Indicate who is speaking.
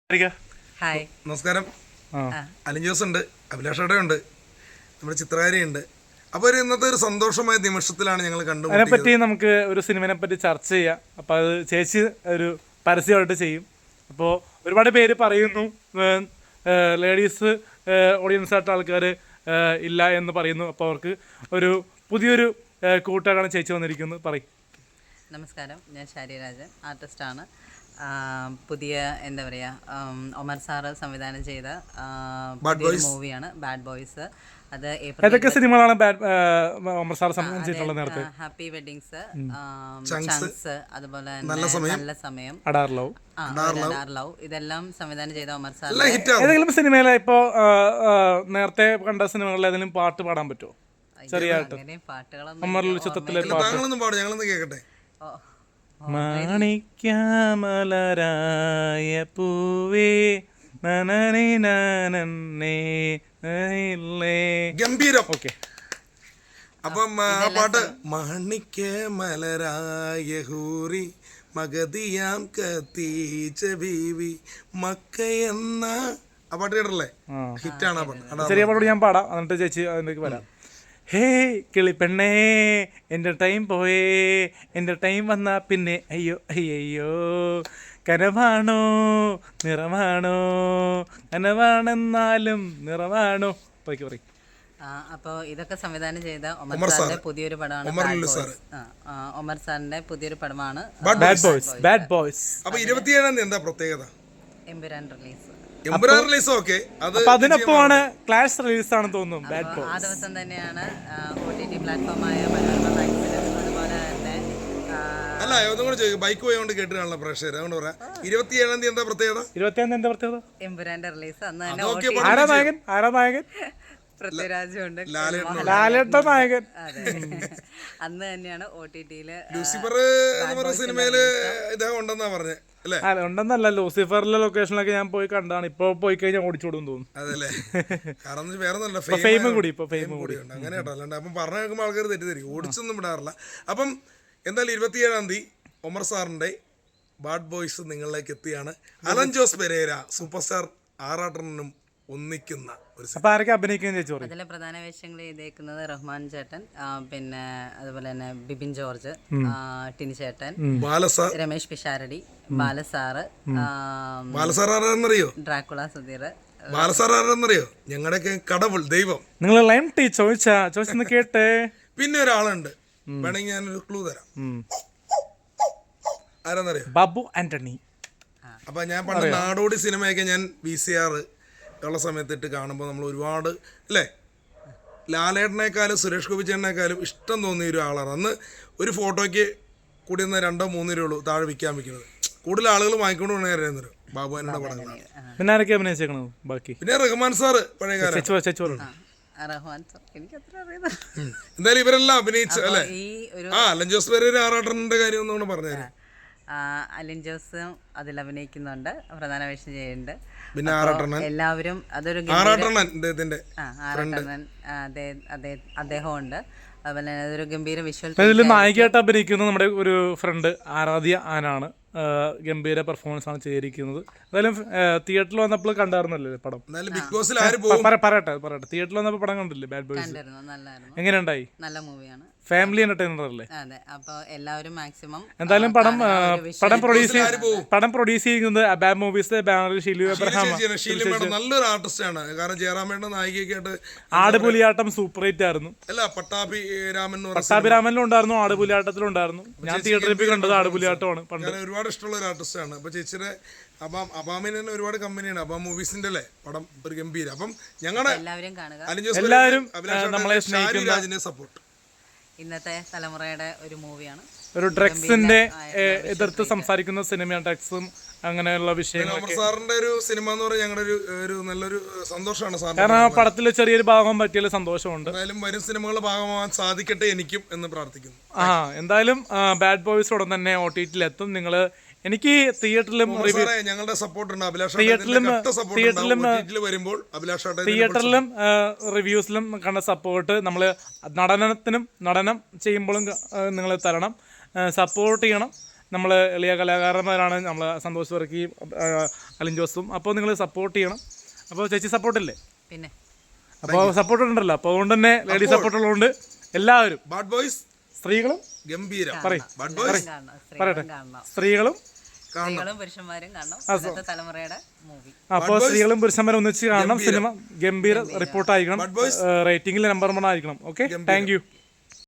Speaker 1: Hi
Speaker 2: നമസ്കാരം. അലിൻ ജോസ് ഉണ്ട്, അഭിലാഷേട്ടൻ ഉണ്ട്, നമ്മുടെ ചിത്രകാരിയുണ്ട്. അപ്പോൾ ഇന്നത്തെ ഒരു സന്തോഷമായ നിമിഷത്തിലാണ് ഞങ്ങൾ
Speaker 3: അതിനെപ്പറ്റി
Speaker 2: കണ്ടുപിടിച്ചത്.
Speaker 3: നമുക്ക് ഒരു സിനിമയെ പറ്റി ചർച്ച ചെയ്യാം. അപ്പോൾ അത് ചേച്ചി ഒരു പരസ്യമായിട്ട് ചെയ്യും. അപ്പോൾ ഒരുപാട് പേര് പറയുന്നു ലേഡീസ് ഓഡിയൻസ് ആയിട്ട് ആൾക്കാർ ഇല്ല എന്ന് പറയുന്നു. അപ്പോൾ അവർക്ക് ഒരു പുതിയൊരു കൂട്ടാണ് ചേച്ചി വന്നിരിക്കുന്നത്. പറയും.
Speaker 1: നമസ്കാരം, ഞാൻ ശാരിരാജൻ, ആർട്ടിസ്റ്റാണ്. പുതിയ എന്താ പറയുക, ഒമർ സാറ് സംവിധാനം ചെയ്ത പുതിയൊരു മൂവിയാണ് ബാഡ് ബോയ്സ്. അത്
Speaker 3: ഏതൊക്കെ സിനിമകളാണ് ഒമർ സാർ സംവിധാനം ചെയ്തിട്ടുള്ളത്? നേരത്തെ
Speaker 1: ഹാപ്പി വെഡിങ്സ്, ചങ്സ്, അതുപോലെ നല്ല സമയം,
Speaker 3: അഡാർ ലവ്,
Speaker 1: ലവ്, ഇതെല്ലാം സംവിധാനം ചെയ്ത ഒമർ സാർ.
Speaker 3: ഏതെങ്കിലും സിനിമയിലെ ഇപ്പോൾ നേരത്തെ കണ്ട സിനിമകളിൽ ഏതെങ്കിലും പാട്ട് പാടാൻ പറ്റുമോ? ചെറിയായിട്ട്
Speaker 1: പാട്ടുകളൊന്നും
Speaker 3: ഒമർ ചിത്രത്തിലെ പാട്ട്.
Speaker 2: ഞങ്ങളൊന്ന് കേൾക്കട്ടെ.
Speaker 3: മാണിക്യമലരായ പൂവേ
Speaker 2: ഗംഭീരം.
Speaker 3: ഓക്കെ.
Speaker 2: അപ്പം ആ പാട്ട് മാണിക്യ മലരായ ഹൂറി മഗതിയാം കത്തീച്ച ബീവി മക്കയെന്ന ആ പാട്ട് കേട്ടല്ലേ? ഹിറ്റാണ് ആ പാട്ട്.
Speaker 3: ചെറിയ പാട്ടോട് ഞാൻ പാടാം, എന്നിട്ട് ചേച്ചി അതിലേക്ക് വരാം. ഹേ കിളിപ്പെണ്ണേ, എൻ്റെ ടൈം പോയേ, എൻ്റെ ടൈം വന്നാ പിന്നെ അയ്യോ അയ്യോ, കനവാണോ നിറമാണോ, കനവാണെന്നാലും നിറമാണോ. പറയും.
Speaker 1: അപ്പോൾ ഇതൊക്കെ സംവിധാനം ചെയ്ത ഒമർ സാറിന്റെ പുതിയൊരു പടമാണ് ഒമർ സാറിന്റെ പുതിയൊരു പടമാണ്
Speaker 3: ബാഡ് ബോയ്സ്. Bad boys.
Speaker 2: അപ്പോൾ 27-ാം തീയതി എന്താ പ്രത്യേകത?
Speaker 1: എമ്പുരാൻ റിലീസ്.
Speaker 3: അതിനൊപ്പമാണ് ക്ലാഷ് റിലീസ് ആണെന്ന് തോന്നുന്നു. ബാഡ് ബോയ്സ്
Speaker 1: ആ ദിവസം തന്നെയാണ് OTT പ്ലാറ്റ്ഫോമായ മനോരമ മാക്സിലും അതുപോലെ തന്നെ
Speaker 2: അല്ല ഒന്നും കൂടെ ചോദിക്കും, ബൈക്ക് പോയോണ്ട് കേട്ടിട്ടാണല്ലോ പ്രേക്ഷകർ, അതുകൊണ്ട് പറയാം 27-ാം തീയതി എന്താ പ്രത്യേകത?
Speaker 3: 27-ാം തീയതി എന്താ പ്രത്യേകത?
Speaker 1: എമ്പുരാന്റെ റിലീസ്. അന്ന്
Speaker 3: ആരാ നായകൻ?
Speaker 1: പൃഥ്വിരാജും ഉണ്ട്,
Speaker 3: ലാലേട്ടൻ നായകൻ.
Speaker 1: അതെ. അന്ന് തന്നെയാണ് OTT-ല്
Speaker 2: ലൂസിഫർ എന്ന് പറയുന്ന സിനിമയില് ഇദ്ദേഹം ഉണ്ടെന്നാ പറഞ്ഞത് അല്ലേ?
Speaker 3: ഉണ്ടെന്നല്ല, ലൂസിഫറിലെ ലൊക്കേഷനിലൊക്കെ ഞാൻ പോയി കണ്ടാണ്. ഇപ്പൊ പോയി കഴിഞ്ഞാൽ ഓടിച്ചോടും തോന്നുന്നു.
Speaker 2: അതല്ലേ? കാരണം വേറെ
Speaker 3: ഫെയിം കൂടി
Speaker 2: ഉണ്ട്. അങ്ങനെ കേട്ടോ, അല്ലാണ്ട് അപ്പം പറഞ്ഞു കേൾക്കുമ്പോൾ ആൾക്കാർ തെറ്റിദ്ധരിക്കും. ഓടിച്ചൊന്നും വിടാറില്ല. അപ്പം എന്തായാലും 27-ാം തീയതി ഒമർ സാറിന്റെ ബാഡ് ബോയ്സ് നിങ്ങളിലേക്ക് എത്തിയാണ്. അലൻ ജോസ് പെരേര സൂപ്പർ സ്റ്റാർ ആറാട്ടനും ഒന്നിക്കുന്ന ഒരു.
Speaker 3: അപ്പൊ ആരൊക്കെ അഭിനയിക്കുന്ന ചേച്ചി?
Speaker 1: അതിലെ പ്രധാന വേഷങ്ങൾ ചെയ്തേക്കുന്നത് റഹ്മാൻ ചേട്ടൻ, പിന്നെ അതുപോലെ തന്നെ ബിബിൻ ജോർജ്, ടിനി ചേട്ടൻ, രമേശ് പിഷാരടി, ബാലസാറ്.
Speaker 2: ബാലസാർ ആരാന്നറിയോ?
Speaker 1: ഡ്രാക്കുള സുധീർ.
Speaker 2: ബാലസാർ ആരാന്നറിയോ? ഞങ്ങളുടെയൊക്കെ കടവുൾ ദൈവം.
Speaker 3: നിങ്ങൾ ലൈൻ ടീ ചോദിച്ചെന്ന് കേട്ടെ.
Speaker 2: പിന്നെ ഒരാളുണ്ട്, വേണമെങ്കിൽ ഞാനൊരു ക്ലൂ തരാം. ആരാന്നറിയോ?
Speaker 3: ബാബു ആന്റണി.
Speaker 2: അപ്പൊ ഞാൻ പണ്ട് നാടോടി സിനിമയൊക്കെ ഞാൻ VCR ഉള്ള സമയത്ത് ഇട്ട് കാണുമ്പോൾ നമ്മൾ ഒരുപാട് അല്ലേ, ലാലേട്ടനേക്കാളും സുരേഷ് ഗോപി ചേട്ടനേക്കാളും ഇഷ്ടം തോന്നിയ ഒരാളാണ്. അന്ന് ഒരു ഫോട്ടോയ്ക്ക് കൂടി 2-3 രൂപ താഴെ വിൽക്കാൻ വെക്കുന്നത്. കൂടുതൽ ആളുകൾ വാങ്ങിക്കൊണ്ട് പോകണമായിരുന്നു ബാബുവിന്റെ പടങ്ങളാണ്.
Speaker 3: പിന്നെ ആരൊക്കെ അഭിനയിച്ചേക്കണത് ബാക്കി?
Speaker 2: പിന്നെ റഹ്മാൻ സാറ് പഴയ കാലം. എന്തായാലും ഇവരെല്ലാം അഭിനയിച്ച അല്ലേ? അലൻ ജോസ് പെരേര ആറാട്ടന്റെ കാര്യം ഒന്നുകൂടെ പറഞ്ഞുതരാം.
Speaker 1: അലിൻ ജോസും അതിൽ അഭിനയിക്കുന്നുണ്ട്, പ്രധാന വേഷം ചെയ്യുന്നുണ്ട്.
Speaker 2: പിന്നെ ആറാട്ടണ്ണൻ,
Speaker 1: എല്ലാവരും അതൊരു അദ്ദേഹം ഉണ്ട്. അതുപോലെ അതൊരു ഗംഭീര വിഷ്വൽ.
Speaker 3: ഇതിൽ നായികയായിട്ട് അഭിനയിക്കുന്നത് നമ്മുടെ ഒരു ഫ്രണ്ട് ആരാധ്യ ആനാണ്. ഗംഭീര പെർഫോമൻസ് ആണ് ചെയ്തിരിക്കുന്നത്. എന്തായാലും തിയേറ്ററിൽ വന്നപ്പോൾ കണ്ടായിരുന്നല്ലേ പടം? പറയട്ടെ തിയേറ്ററിൽ വന്നപ്പോൾ പടം കണ്ടില്ലേ ബാഡ് ബോയ്സ്? എങ്ങനെയുണ്ടായി?
Speaker 1: നല്ല മൂവിയാണ്,
Speaker 3: ഫാമിലി എന്റർടൈനർ അല്ലേ?
Speaker 1: അതെ. അപ്പോൾ എല്ലാവരും മാക്സിമം
Speaker 3: എന്തായാലും പടം പ്രൊഡ്യൂസ് ചെയ്യുന്നത് ബാഡ് മൂവീസ് ബാനറിൽ ഷിലു എബ്രഹാം.
Speaker 2: നല്ലൊരു ആർട്ടിസ്റ്റാണ്. കാരണം ജയറാമേട്ടൻ നായികയായിട്ട്
Speaker 3: ആടുപുലിയാട്ടം സൂപ്പർ ഹിറ്റ് ആയിരുന്നു.
Speaker 2: അല്ല
Speaker 3: പട്ടാഭിരാമനിലും ഉണ്ടായിരുന്നു, ആടുപുലിയാട്ടത്തിലും ഉണ്ടായിരുന്നു. ഞാൻ തിയേറ്ററിൽ പോയി കണ്ടത് ആടുപുലിയാട്ടമാണ്. പണ്ട്
Speaker 2: ഒരുപാട് ഇഷ്ടമുള്ള ഒരു ആർട്ടിസ്റ്റാണ്. അപ്പൊ ചേച്ചിയുടെ അബാമിന് തന്നെ ഒരുപാട് കമ്പനിയാണ്, അബാം മൂവീസിന്റെ അല്ലേ പടം ഒരു ഗംഭീര. അപ്പം ഞങ്ങളുടെ
Speaker 3: എല്ലാവരും നമ്മളെ സ്നേഹിക്കുന്ന
Speaker 2: സപ്പോർട്ട്
Speaker 1: ഇന്നത്തെ തലമുറയുടെ ഒരു മൂവിയാണ്.
Speaker 3: ഒരു ഡ്രഗ്സിന്റെ എതിർത്ത് സംസാരിക്കുന്ന സിനിമയാണ്. ഡ്രഗ്സും അങ്ങനെയുള്ള വിഷയങ്ങളൊക്കെ.
Speaker 2: സാറിന്റെ ഒരു സിനിമ എന്ന് പറഞ്ഞാൽ ഞങ്ങളുടെ ഒരു നല്ലൊരു സന്തോഷമാണ് സാർ.
Speaker 3: കാരണം ആ പടത്തിൽ ചെറിയൊരു ഭാഗം പറ്റിയാൽ സന്തോഷമുണ്ട്.
Speaker 2: എന്തായാലും വരും സിനിമകളുടെ ഭാഗമാവാൻ സാധിക്കട്ടെ എനിക്കും എന്ന് പ്രാർത്ഥിക്കുന്നു.
Speaker 3: എന്തായാലും ബാഡ് ബോയ്സ് ഉടൻ തന്നെ OTT-ൽ എത്തും. നിങ്ങൾ എനിക്ക് തിയേറ്ററിലും
Speaker 2: ഞങ്ങളുടെ സപ്പോർട്ട് ഉണ്ട്.
Speaker 3: തിയേറ്ററിലും റിവ്യൂസിലും കണ്ട സപ്പോർട്ട് നമ്മൾ നടനം ചെയ്യുമ്പോഴും നിങ്ങൾ തരണം, സപ്പോർട്ട് ചെയ്യണം. നമ്മൾ എളിയ കലാകാരന്മാരാണ് നമ്മൾ സന്തോഷ് വർക്കിയും അലിൻ ജോസും. അപ്പോൾ നിങ്ങൾ സപ്പോർട്ട് ചെയ്യണം. അപ്പോൾ ചേച്ചി സപ്പോർട്ടില്ലേ?
Speaker 1: പിന്നെ
Speaker 3: അപ്പോൾ സപ്പോർട്ട് ഉണ്ടല്ലോ. അപ്പോൾ അതുകൊണ്ട് തന്നെ ലേഡി സപ്പോർട്ട് ഉള്ളതുകൊണ്ട് എല്ലാവരും
Speaker 2: ബാഡ് ബോയ്സ്
Speaker 3: സ്ത്രീകളും
Speaker 2: ഗംഭീരം
Speaker 3: പറയട്ടെ
Speaker 1: കാണണം.
Speaker 3: സ്ത്രീകളും
Speaker 1: പുരുഷന്മാരും കാണണം. ഇന്നത്തെ തലമുറയുടെ മൂവി.
Speaker 3: അപ്പോൾ സ്ത്രീകളും പുരുഷന്മാരും ഒന്നിച്ച് കാണണം. സിനിമ ഗംഭീര റിപ്പോർട്ടായിരിക്കണം, റേറ്റിംഗിൽ നമ്പർ 1 ആയിരിക്കണം. Okay, thank U.